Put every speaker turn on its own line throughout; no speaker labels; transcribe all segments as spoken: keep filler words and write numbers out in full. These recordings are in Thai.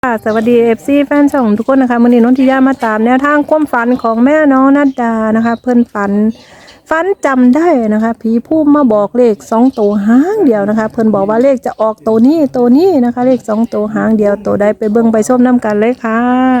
ค่ะสวัสดีเอฟซีแฟนช่องทุกคนนะคะมื้อนี้นนทิยามาตามแนวทางความฝันของแม่น้องนัดดานะคะ เพิ่นฝันฝันจำได้นะคะผีผู้มาบอกเลขสองตัวหางเดียวนะคะ เพิ่นบอกว่าเลขจะออกตัวนี้ตัวนี้นะคะ เลขสองตัวหางเดียวตัวใดไปเบิ่งไปชมน้ำกันเลยค่ะ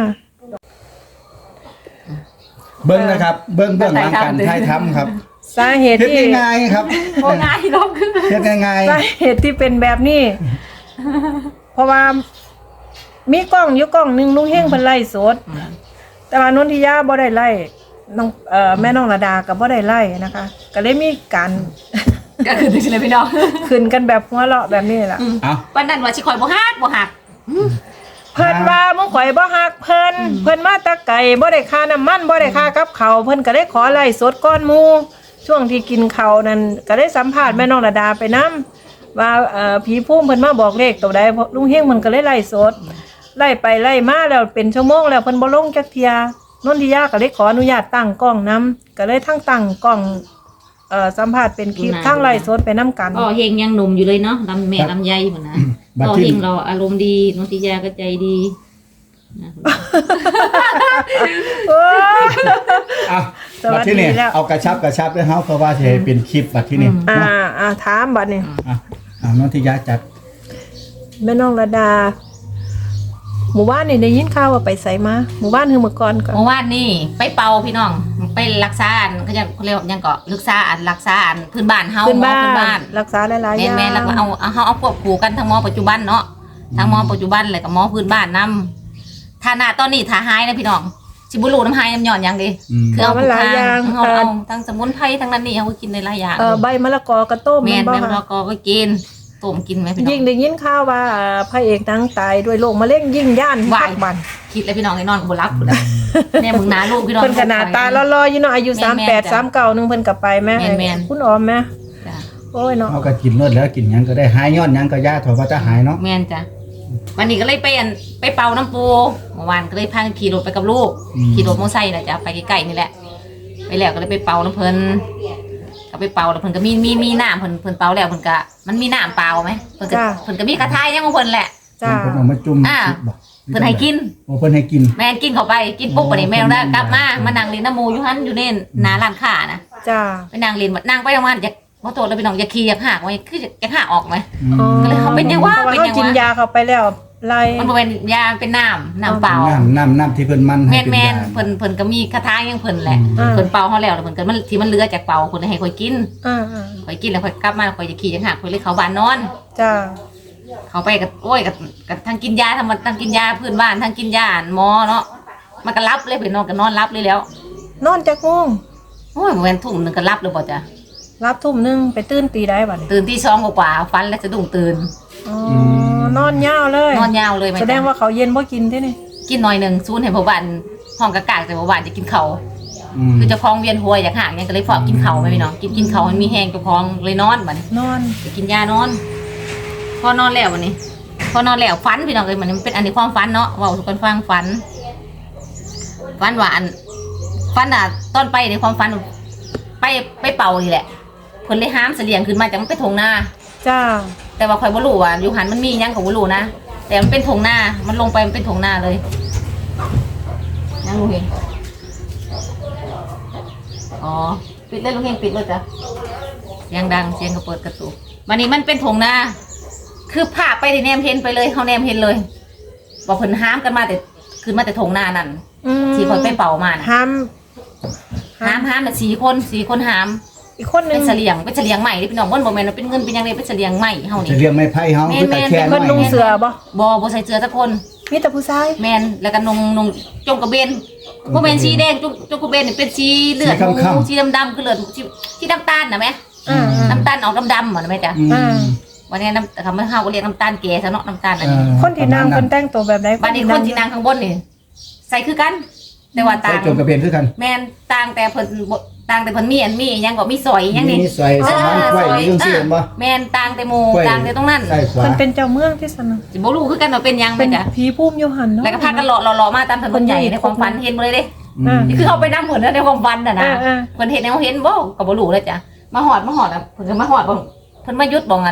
เบิ้งนะครับ เบิ้งเบิ้งหลังการถ่ายทำครับ
สาเหตุ
เฮ็ด
ที่
ง่ายๆครับ
โอ้ง่ายลงขึ้น
เฮ็ดง่าย
สาเหตุที่เป็นแบบนี้ เพราะว่ามีกล้องอยู่กล้องหนึงลุงเฮงเพิ่นไล่สด แต่ว่านนทิยาบ่ได้ไล่น้องเอ่อแม่น้องระดาก็บ่ได้ไล่นะคะ ก็เลยมีการ
ก็คือถึงเลยพี่น้อง
ขึ้นกันแบบหัวเราะแบบนี้แหละ
ๆเอา
วันนั้นว่าชิคอยบ่ฮักบ่หัก
เพิ่นว่ามึงข่อยบ่ฮักเพิ่นเพิ่นมาแตะไก่บ่ได้ค่าน้ำมันบ่ได้ค่ากับข้าวเพิ่นก็ได้ขอไล่สดก้อนหมู่ช่วงที่กินข้าวนั่นก็ได้สัมภาษณ์แม่น้องระดาไปนํว่าเอ่อผีพุ่มเพิ่นมาบอกเลขตัวใดลุงเฮงมันก็เลยไล่สดไล่ไปไล่มาแล้วเป็นชั่วโมงแล้วเพิ่นบ่ลงจักเที่ยนนทิยาก็เลยขออนุญาตตั้งกล้องนํก็เลยทั้งตั้งกล้องเอ่อสัมภาษณ์เป็นคลิปทั้งไล่สดไปนํกัน
อ๋อเฮงยังหนุ่มอยู่เลยเนาะลำแม่ลำไยเหมือนนะอ๋อเฮงเราอารมณ์ดีนนทิยาก็ใจดีนะ
โอ้ย
เอา
สวั
บัด
สดี
ที่นี่
แล้ว
เอากระชับกระชับด้วยเฮาเพราะว่าสิให้เป็นคลิปบัดที่นี่
อ่า
เนาะ
อ่าถามบัดนี้
อ่ะอ่านนทิยาจัด
แม่น้องระดา หมู่บ้านนี่ได้ยินข่าวว่าไปไสมาหมู่บ้านคือเมื่อก่อนก่อน
เมื่อวานนี่ไปเป่าพี่น้องไปรักษาอันเขาจะเขาเรียกว่ายังก็รักษาอันรักษาอันพื้นบ้านเฮา
ขึ้น
หมอ
บ้า
พื้นบ้าน
นรักษาหลายๆอ
แม่
ย่าง
แม่แล้วก็เอาเอาเฮาเอาควบคู่กันทั้งหมอปัจจุบันเนาะทั้งหมอปัจจุบันเลยกับหมอพื้นบ้านนำถ้าหน้าตอนนี้ถ้าหายนะพี่น้องสิบุรูน้ำหายน้ำหย่อนยังดี
อืม
คือเอา
มันหลายอย่าง
เอาเอาทั้งสมุนไพรทั้งนั้นนี่เอาไปกินในหลายอย่าง
เอ่อใบมะละกอกระต้ม
แม่น
บ่
แม่น
คะ
เราก็ก็กินต้มกินไหมพี่น้
ยิ่
อง ง
ได้ยินข่าวว่าเอ่อพระเอกนางตายด้วยโรคมะเร็งยิ่งย่าน
วาย
พักบัน
คิดเลยพี่น้องไอ้นอนก็บ่รับพุ่นน่ะเนี่ยมึงหนาลูกพี่น้อง
เพิ่นขนาดตาล่อๆอยู่เนาะอายุ
แม่นๆ
สามแปด
จ้ะ
สามเก้านึงเพิ่นก็ไปแม่
แม่นๆ
คุณออมแม่
จ้ะ
โอ้ยเนาะ
เอาก็กินรสแล้วกินหยังก็ได้หายย้อนหยังก็ยาถอว่าจะหายเนาะ
แม่นจ้ะวันนี้ก็เลยไปอันไปเป่าน้ำปูเมื่อวานก็เลยพากันขี่รถไปกับลูกขี่รถมอเตอร์ไซค์น่ะจ้ะไปใกล้ๆนี่แหละไปแล้วก็เลยไปเป่าน้ำเพิ่นก็ไปเป่าแล้วเพิ่นก็มีมีมีน้ำเพิ่นเพิ่นเป่าแล้วเพิ่นก็มันมีน้ำเปล่าไหมเพิ่นก็เพิ่นก็มีกระทายยังของเพิ่นแหละ
จ้า
เพิ่นเอามาจุ่ม
อ่า
คิดบ่
เพิ่นให้กิน
โอ้เพิ่นให้กิน
แม่นกินเข้าไปกินปุ๊บไปนี่แม่ได้กลับมามานั่งเล่นน้ำหมูอยู่หันอยู่เน่นหน้าร้านค้านะ
จ้า
ไปนั่งเล่นนั่งไปประมาณอยากว่าโตแล้วพี่น้องอยากขี่อยากหักไว้คืออยากหักออกไหม
อืม
อ๋อ
ก็เลยเขาเป็นยังวะ
เพราะ
เป็น
เขา
ยังวะ
กินยาเข้าไปแล้วไล่
มันบ่เป็นยาเป็นน้ำน้ำเปล่า
น้ำน้ำน้ำที่เพิ่นมัน
แม
ให้
น
เป็น
แม
ยาน
เพิ่นเพิ่นก็มีคาถายังเพิ่นแหละ
อืม
เพิ่นเป่าเขาแล้วแล้วเพิ่นก็มันที่มันเหลือจากเป่าเพิ่นให้ข่อยกิน
อ่า
ข่อยกินแล้วข่อยกลับมาข่อยจะขี่ยังหักข่อยเลยเข้าบ้านนอน
ๆจ้า
เขาไปกับโอ้ยกับกับทั้งกินยาทั้งทั้งกินยาพื้นบ้านทั้งกินยาหมอเนาะมันก็รับเลยเพิ่นนอนก็นอนรับเลยแล้ว
นอนจักโมง
โอ้ยบ่แม่นทุ่มหนึงก็รับเลยบ่จ้ะ
รับทุ่มหนึงไปตื่นตีได้บัดนี้
ตื่นที่สองกว่าๆฟันแล้วสะดุ้งตื่น
อ๋อนอนยาวเลย
นอนยาวเลยไหม
แสดงว่าเขาเย็นบ่กินที่นี่
กินหน่อยหนึ่งซูนให้พ่อบ้านห้องกะกากแต่พ่อบ้านจะกินเขาว
อืม
คือเจะคลองเวียนหัวอยากห่างเนี่ยก็เลยฝากกินเขาวไหมพี่น้องกินกินเขาวมันมีแห้งเจะคลองเลยนอนบัดนี้
นอน
ไปกินยานอน พอนอนแล้ววันนี้ พอนอนแล้วฝันพี่น้องเลยมันเป็นอันนี้ความฝันเนาะเว่าทุกคนฟังฝันฝันหวานฝันอ่ะตอนไปในความฝันไปไปเป่านี่แหละเพิ่นเลยห้ามเสลียงขึ้นมาจากมันเป็นทงนา
จ้า
แต่ว่าข่อยบ่รู้ว่าอยู่หันมันมีหยังก็บ่รู้นะแต่มันเป็นทงนามันลงไปมันเป็นทงนาเลยยังรู้เห็นอ๋อปิดเลยลุงเฮงปิดเลยจ้ะเสียงดังเสียงก็เปิดกระตุกวันนี้มันเป็นทงนาคือภาพไปที่แนมเห็นไปเลยเขาแนมเห็นเลยบอกเพิ่นห้ามกันมาแต่ขึ้นมาแต่ทงนานั่น
อืม
ที่ข่อยไปเป่ามานะ
ห้าม
ห้ามห้ามแต่สี่คนสี่คนห้าม
อีกคนหนึ
เป็
ง
นเสลียงเป็นเสลียงใหม่ที่พี่น้องบ่นบ่แม่นว่าเป็นเงินเป็นหยังไงเป็นเสลียงใหม่เฮา
จะ
นี่
เรียงไม้ไผ่เฮา
แม่
คือน ตะแคง
แม่
คนนุ่งเสือบ่
บ่บ่ใส่เสื้อสักคน
มีแต่ผู้ชาย
แมนแล้วก็นงนงจงกระเบนพวกแมนสีแดงจงจงกระเบนนี่เป็นสีเลือดหมูสีดำดำคือเลือดสีสีน้ำตาลนะแม่
อ่า
น้ำตาลออกดำดำเหมือนไหมจ๊ะ
อืม
อ่า
วันนี้น้ำคำว่าเฮาก็เรียกน้ำตาลแก่ซะเนาะน้ำตาลอัน
เอ
นี้
อ
คนที่นั่งคนแต่งตัวแบบไหน
บัดนี้คนที่นั่งข้างบนนี่ใส่คือกัน แต่ว่า
ใส่
ต่าง
จงกระเบนคือกัน
แมนต่างแต่เพิ่นบ่ต่างแต่เพิ่นมีอันมีหยังก็มีซอยหยังนี่
มีใส่สมานไว้อยู่จังซี่เห็นบ่
แมนต่างแต่หมู่ต่างแต่ตรงนั้น
ใส่ขวา
มันเป็นเจ้าเมืองที่สน
สิบ่รู้คือกันว่าเป็นหยังไหม
เป็น
จ๊ะ
ผีภูมิอยู่หันเนาะ
แล้วก็พากันเลาะเลาะมาตามถนนใหญ่ในความฝันเห็นบ่เลยเด้
อืม
นี่คือเขาไปนั่งเหมือนในความฝันน่ะนะ
อ่าอ่า
เพิ่นเห็นแนวเห็นบ่ก็บ่รู้เลยจ้ะมาหอดมาหอดอ่ะเพิ่นก็มาหอดบ่เพิ่นมายุดบ่งันบ่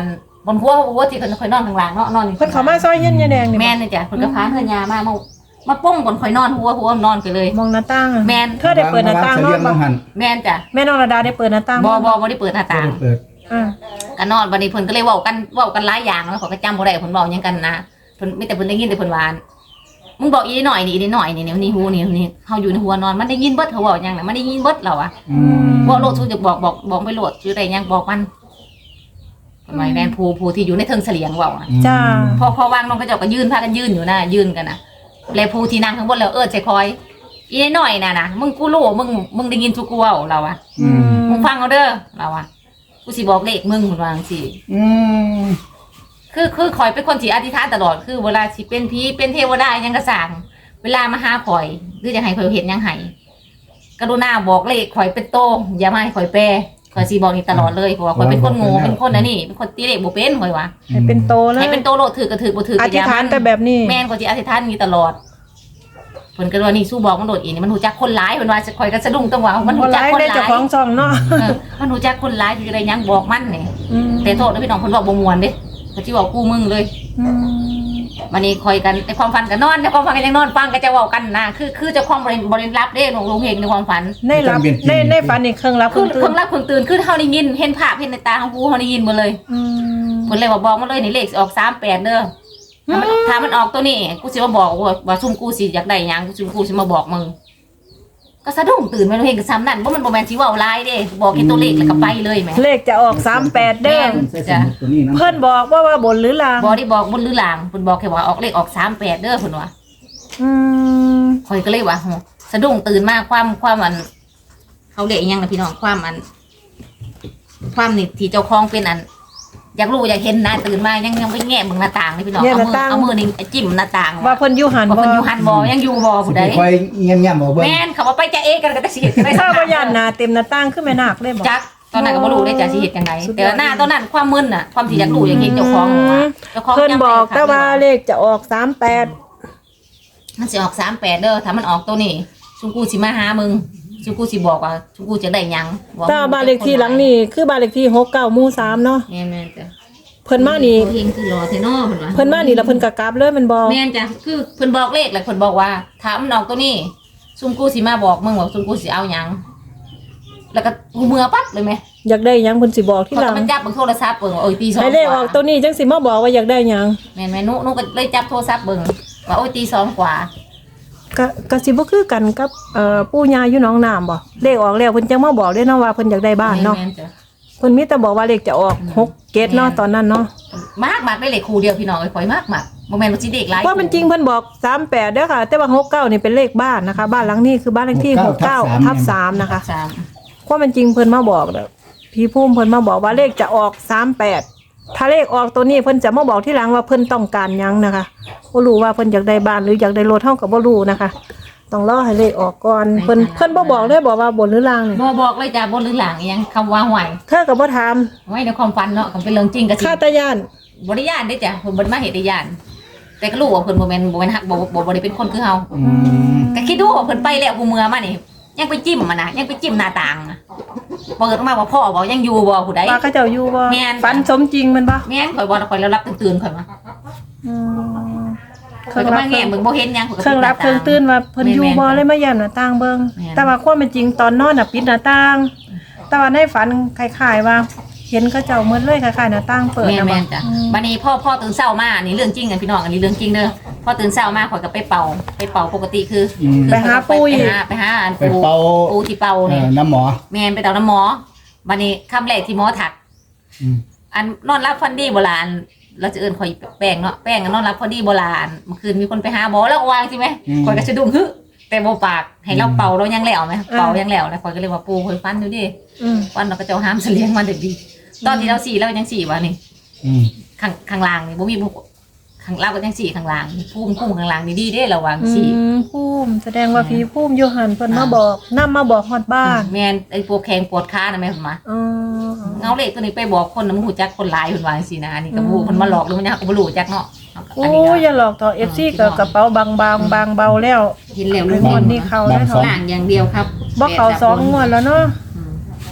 คนหัวหัวที่เพิ่นค่อยนอนข้างล่างเนาะนอนอยู่
เพิ่นเขามาซอยเย็นยาแดงนี่
แม่นนี่จ้ะเพิ่นก็พาเพิ่นยามามามาป้องก่อนค่อยนอนหัวหัวนอนไปเลย
มองหน้าต่างอะ
แม่น
เธอได้เปิดหน้าต่าง
เนาะ
เนาะบ่
หัน
แม่นจ้ะ
แม่น้องระดาได้เปิดหน้าต่าง
บ่บ่
บ่
บ่ได้เปิดหน้าต่าง
เปิด
อ่า
ก็นอนบัดนี้เพิ่นก็เลยเว้ากันเว้ากันหลายอย่างแล้วเขาก็จำบ่ได้เพิ่นเว้าหยังกันนะเพิ่นมีแต่เพิ่นได้ยินแต่เพิ่นว่ามึงบอกอีนิดหน่อยนี่อีนิดหน่อยนี่นี่นี่หูนี่นี่เฮาอยู่ในหัวนอนมันได้ยินเบิดเขาเว้าหยังน่ะมันได้ยินเบิดเราอะ
อืม
บ่โลดสู้จะบอกบอกบอกไปโลดอยู่ได้หยังบอกมันเพิ่นว่าแม่นผู้ผู้ที่อยู่ในเทิงเสลียงเว้าอะ
จ้า
พอพอวางน้องก็เจ้าก็ยืนพากันยืนอยู่นะยืนกันนะแล้วผู้ที่นั่งข้างบนแล้วเอิ้นใส่คอยอีนิดหน่อยน่ะนะมึงกูรู้มึงมึงได้ยินทุกกูเว้าเราอะ
อืม
มึงฟังเอาเด้อเราอะกูสิบอกเลขมึงเพิ่นว่าจังซี่
อืม
คือคือข่อยเป็นคนที่อธิษฐานตลอดคือเวลาสิเป็นผีเป็นเทวดาหยังกระสร้างเวลามาหาข่อยหรือจะให้ข่อยเห็นหยังให้กรุณาบอกเลขข่อยเป็นโตอย่ามาให้ข่อยแปรข่อยสิบอกนี่ตลอดเลยเพราะว่าข่อยเป็นคนโง่เป็นคนอันนี้เป็นคนตีเลขบ่เป็นข่อยว่า
ให้เป็นโตเลย
ให้เป็นโตโลดถือก็ถือบ่ถือ
อ
ก็
ธิษฐานแต่แบบนี้
แม่นข่อยสิอธิษฐานนี่ตลอดเพิ่นก็ว่านี่สู้บอกมันโดดอีนี่มันรู้จักคนหลายเพิ่นว่าข่อยก็สะดุ้งตรงว่ามัน
บ่
รู้
ห
จัก
ลาย
คนห
ได้
ลา
เจ้าย ของช่องเนาะ
เออมันรู้จักคนหลายอยู่ได้หยังบอกมันนี่
อืม
แต่โทษนะพี่น้องเพิ่นบอกบ่ม่วนเด้เขาสิบอกกูมึงเลย
อืม
วันนี้คอยกันในความฝันกันนอนในความฝันกันยังนอนฟังก็จะเว้ากันนะคือคือเจะความบริบริรับเด้หลวงลุงเฮงในความฝัน
ในรับในในฝันนี่เครื่องรับเค
คื
รื่
อ
องตื่
เพิ่งรับเพิ่งตื่นคือเฮาได้ยินเห็นภาพเห็นในตาของกูเฮาได้ยินหมดเลย
อืม
เพิ่นเลยว่าบอกมาเลยนี่เลขสิออกสามแปดเด้อถ้ามันถ้ามันออกตัวนี้กูสิมาบอกว่าว่าซุ่มกูสิอยากได้หยังกูซุ่มกูสิมาบอกมึงก็สะดุ้งตื่นมาลุงเฮงก็ซ้ำนั่นบ่มันบ่แม่นสิเว้าหลายเด้บอกแค่ตัวเลขแล้วก็ไปเลยแหม
เลขจะออกสามแปดเด้อ
ใส่สมุดตัวนี้นะ
เพิ่นบอกว่าว่าบนหรือลาง
บ่ได้บอกบนหรือหลังเพิ่นบอกแค่ว่าออกเลขออกสามแปดเด้อเพิ่นว่า
อืม
คอยก็เลยว่าโหสะดุ้งตื่นมากความความอันเขาเรียกอิหยังนะพี่น้องความอัน ความนี่ที่เจ้าของเป็นอัน อยากรู้อยากเห็นนะตื่นมายังยังไปแง่มึงหน้าต่างเลยพี่น้องเอามือเอามือนี่จิ้มหน้าต่าง
ว่าเพิ่นอยู่หัน
ว่า
บ่
เพิ่นอยู่หันบอยังอยู่บอผู้ใด
คอยเงียบเงียบบอกเบิ้ง
แม่นเขาว่าไปจะเอกันก็จะสิเฮ็ดจังได๋
ถ้าบ่ยันหน้าเต็มหน้าต่างขึ้นแม่นาคเลยบ่
จักตอนนั้นก็บ่รู้ได้จะสิเฮ็ดจังได
สุดยอด
แต่หน้าตอนนั้นความมึนน่ะความที่อยากรู้อยากเห็นเจ้าของน่ะเจ้าของ
เพิ่น
จำ
บอก
ได้
แต่ว่าเลขจะออกสามแปด
มันสิออกสามแปดเด้อถ้ามันออกตัวนี้ชุกูสิมาหามึงชุกูสิบอกว่าชุกูจะได้หยังว่
แต่บ้านเลขที่หลังนี่คือบ้านเลขที่หกเก้าหมู่สามเนาะ
แม่นๆจ้ะ
เพิ่นมานี่
เฮงคือรอเทนอเพิ่นว่า
เพิ่นมานี่แล้วเพิ่นก็กลับเลยแมันบ่
แม่นจ้ะคือเพิ่นบอกเลขแหละเพิ่นบอกว่าถามมันออกตัวนี้ซุมกูสิมาบอกมึงว่าซุมกูสิเอาหยังแล้วก็กูเมื่อปั๊บเลยแม่
อยากได้หยังเพิ่นสิบอกที่
เขา
หลั
ก็
ง
มันจับเบิ่งโทรศัพท์เบิ่งว่าโอ้ยตีสอง
ให้เลขออกตัวนี้จังสิมาบอกว่าอยากได้หยัง
แม่นแม่นุนุก็เลยจับโทรศัพท์เบิ่งว่าโอ้ยตีสองกว่า
ก็ก็สิบ่คือกันกับเอ่อปู่ย่าอยู่หนองน้ำบ่เลขออกแล้วเพิ่นจังมาบอกเด้เนาะว่าเพิ่นอยากได้บ้านเนาะ
แม่นจ้ะ
เพิ่นมีแต่บอกว่าเลขจะออกหกเกตเนาะตอนนั้นเนาะ
มากมากได้เลขคู่เดียวพี่น้องเอ้ยข่อยมากมากบ่แม่นว่าสิเด็กหลาย
ว่ามันจริงเพิ่นบอกสามแปดเด้อค่ะ แต่ว่าหกเก้านี่เป็นเลขบ้านนะคะ บ้านหลังนี้คือบ้านเลขที่หกเก้าทับสามนะคะ
สาม
ว่ามันจริงเพิ่นมาบอกเด้อพี่ภูมิเพิ่นมาบอกว่าเลขจะออกสามแปดถ้าเลขออกตัวนี้เพิ่นจะมาบอกที่หลังว่าเพิ่นต้องการหยังนะคะบ่รู้ว่าเพิ่นอยากได้บ้านหรืออยากได้รถเท่ากับบ่รู้นะคะ ต้องรอให้เลขออกก่อนเพิ่นเพิ่นบ่บอกได้บอกว่าบนหรือล่างนี่
บ่บอกเลยจ้ะบ่หรือหลังอีหยังคำว่าห่วย
เธอก็บ่ถาม
ไว้ในความฝันเนาะก็เป็นเรื่องจริงก็สิ
ค่าตายาน
บ่ได้ย่านเด้จ้ะเพิ่นบ่ได้มาเฮ็ดได้ย่านแต่ก็รู้ว่าเพิ่นบ่แม่นบ่แม่นฮักบ่บ่บ่ได้เป็นคนคือเฮา
อืม
ก็คิดดูว่าเพิ่นไปแล้วกูเมื่อมานี่ยังไปจิ้มมันน่ะยังไปจิ้มหน้าต่างน่ะเปิดออกมาว่าพ่อบอกยังอยู่บ่ผู้ใด
ว่าเขาเจ้าอยู่บ่
แม่น
ฝันสมจริงแมันบ่
แม่นข่อยบ่ข่อยแล้วรับตื่นๆข่อยมา
อืมเค
ข่อย
รื่อง
ก็
รับ
มา
เครื่
แง่
อง
มึงบ่เห็นหยังข่อยก็
เครื่องรับเครื่องตื่นว่าเพิ่นอยู่บ่เลยมาย่านหน้าต่างเบิ่ง
แม่น
แต่ว่าความเป็นจริงตอนนอนน่ะปิดหน้าต่าง แต่ว่าในฝันคล้ายๆว่า เห็นเขาเจ้าเหมือนเลยคล้ายๆหน้าต่างเปิด
แม่น
นะ
แม่
บ่
นจ้ะบัดนี้พ่อพ่อตื่นเช้ามาอันนี้เรื่องจริงกันพี่น้องอันนี้เรื่องจริงเด้อพ่อตื่นเช้ามาข่อยก็ไปเป่าไปเป่าปกติคือ
อืม
คือ
ไปหาปุ้ย
ไปหาไปหาอัน
ไป
ปู
เป่า
ปูที่เป่า
เอ่
นี่
อน้ำหมอ
แม่นไปเต่าน้ำหมอบัดนี้คำแรกที่หมอถัก
อืม
อันนอนรับฟันดีโบราณเราจะเอิ้นข่อยแป้งเนาะแป้งอันนอนรับฟันดีโบราณเมื่อคืนมีคนไปหาหมอแล้ววางใช่ไหมข่อยก็สะดุ้งฮึแต่บ่ปากให้เราเป่าเรายังแล้วไหมเป่ายังแล้วนะข่อยก็เลยว่าปูข่อยฟันอยู่ดิ
อืม
ฟันเราก็จะเอาห้ามเสลียงมันเด็กดีตอนที่เราสี่เรายังสี่วะนี่
อืม
ข้างข้างล่างนี่บ่มีบุข้างล่างก็ยังสี่ข้างล่างพุ่มพุ่มข้างล่างนี่ดีเด้ระวังสี่
อืมภูมิแสดงว่าพี่ภูมิอยู่หันเพิ่นมาบอกนำมาบอกฮอดบ้าน
แม่นไอ้ปวดแข้งปวดขานะแม่ผมมา
อ๋อ
เงาเลขตัวนี้ไปบอกคนนะมึงหูจักคนหลายเพิ่นว่าจังซี่นะอันนี้ก็บ่ฮู้เพิ่นมาหลอกหรือมันยังก็บ่รู้จักเนาะ
โอ้
อันนี้ก็
อย่าหลอกต่อ เอฟ ซี ก็กระเป๋าบางๆบางเบาแล้ว
เห็นแล้ว
งวดนี้เข้าได้เท่า
ล่างอย่างเดียวครับ
บ่เข้าสองงวดแล้วเนาะ
อืม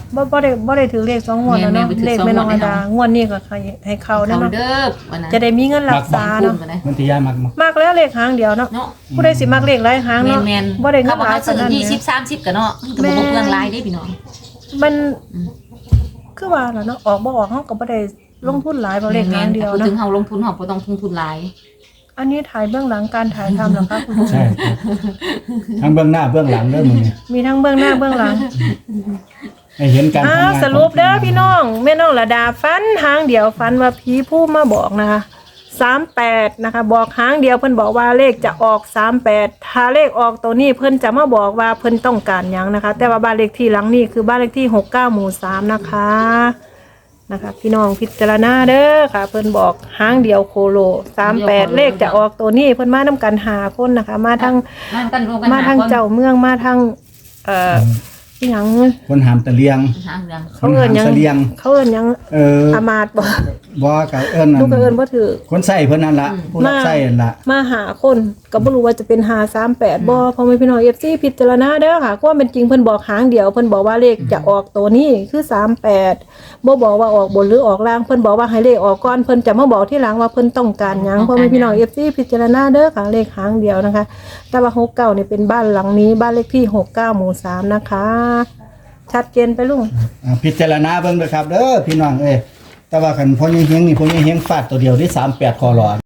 บ่บ่ได้บ่ได้ถือเลขสองงวดแล้วเนาะ
แม่นๆบ่ถือ
เลข
สอง
แม่น้อง
งวด
ระดางวดนี้ก็ให้ให้เข้า
เขา
แน่เนาะ
เด้อวันนั้น
จะได้มีเงินรักษา
คุ
เนาะ
มกันนะ
มันที่ยายมักมัก
มากแล้วเลขหางเดียวเนาะ
เนาะ
ผู้ใดสิมักเลขหลายหาง
แม
เนาะ
นแมน
บ่ได้เงิ
เขา
น
บอก
หลาย
เขา
ปาน
ซื้อ
นั้น
ยี่
แห
สิ
ม
บสามสิบกันเนาะมันก็บ่เปลืองหลายได้พี่น้อง
มันคือว่าล่ะเนาะออกบ่ออกเฮาก็บ่ได้ลงทุนหลายบ่เลขหางเดียว
พูด
เนาะ
ถึงเฮาลงทุนเฮาบ่ต้องลงทุนหลาย
อันนี้ถ่ายเบื้องหลังการถ่ายทำเหรอคะคุณผู้ช
ใช่
ม
ทั้งเบื้องหน้าเบื้องหลังเด้อมึงเนี่ย
มีทั้งเบื้องหน้าเบื้องหลัง
ให้เห็นการ
อ้า
ทำ
ว
งาน
สรุปเด้อพี่น้องแม่น้องระดาฟันหางเดียวฟันว่าผีผู้มาบอกนะคะสามแปดนะคะ บอกหางเดียวเพิ่นบอกว่าเลขจะออกสามแปดถ้าเลขออกตัวนี้เพิ่นจะมาบอกว่าเพิ่นต้องการหยังนะคะ แต่ว่าบ้านเลขที่หลังนี้คือบ้านเลขที่หกเก้าหมู่สามนะคะนะคะพี่น้องพิจารณาเด้อค่ะ เพิ่นบอกหางเดียวโคโลสามแปดเลขจะออกตัวนี้เพิ่นมานํกันหาคนนะคะ มาทั้ง
มากันรวมกัน
มา
ห
ทาง
คน
เจ้าเมืองมาทางเอ่อที่หยัง
คนหามตะเลียง
หางเรื่อง
เขาเอิ้นหยัง
คนหามเสลียง
เขาเอิ้นหยัง
เออ
อามาตย์บ่
บ่กับเอิ้น
ลูกก็เอิ้นบ่ถือ
คนใส่เพิ่นนั่นล่ะผู้รับใส่นั่นล่ะ
มาหาคนก็บ่รู้ว่าจะเป็นห้าสามแปดบ่พ่อแม่พี่น้อง เอฟ ซี พิจารณาเด้อค่ะความเป็นจริงเพิ่นบอกหางเดียวเพิ่นบอกว่าเลขจะออกตัวนี้คือสามแปดบ่บอกว่าออกบนหรือออกล่างเพิ่นบอกว่าให้เลขออกก่อนเพิ่นจะมาบอกทีหลังว่าเพิ่นต้องการหยังพ่อแม่พี่น้อง เอฟ ซี พิจารณาเด้อค่ะเลขหางเดียวนะคะแต่ว่าหกเก้านี่เป็นบ้านหลังนี้บ้านเลขที่หกเก้าหมู่สามนะคะชัดเจนไปลุง
อ่าพิจารณาเบิ่งเด้อครับเด้อพี่น้องเอ้ยแต่ว่าคันพ่อใหญ่เฮงนี่พ่อใหญ่เฮงฟาดตัวเดียวที่สามแปดคอหลอด